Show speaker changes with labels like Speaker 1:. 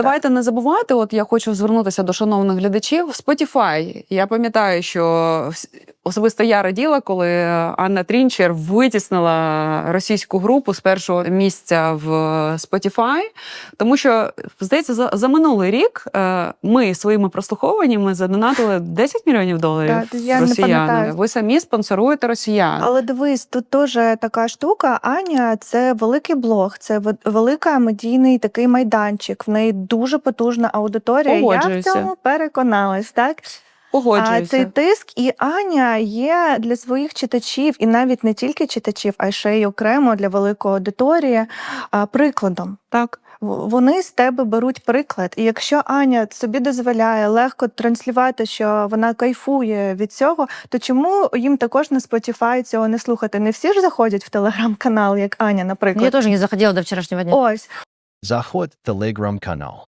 Speaker 1: Давайте не забувати, от я хочу звернутися до шановних глядачів. Spotify. Я пам'ятаю, що особисто я раділа, коли Анна Трінчер витіснила російську групу з першого місця в Spotify, тому що, здається, за минулий рік ми своїми прослуховуваннями задонатили $10 мільйонів росіянам. Ви самі спонсоруєте росіян.
Speaker 2: Але дивись, тут теж така штука. Аня – це великий блог, це велика медійний такий майданчик. В неї дуже потужна аудиторія. Я в цьому переконалась, так? А цей тиск, і Аня є для своїх читачів, і навіть не тільки читачів, а ще й окремо для великої аудиторії, прикладом.
Speaker 1: Так.
Speaker 2: Вони з тебе беруть приклад. І якщо Аня собі дозволяє легко транслювати, що вона кайфує від цього, то чому їм також на Spotify цього не слухати? Не всі ж заходять в телеграм-канал, як Аня, наприклад.
Speaker 3: Я теж не заходила до вчорашнього дня.
Speaker 2: Ось.
Speaker 4: Заходь в телеграм-канал.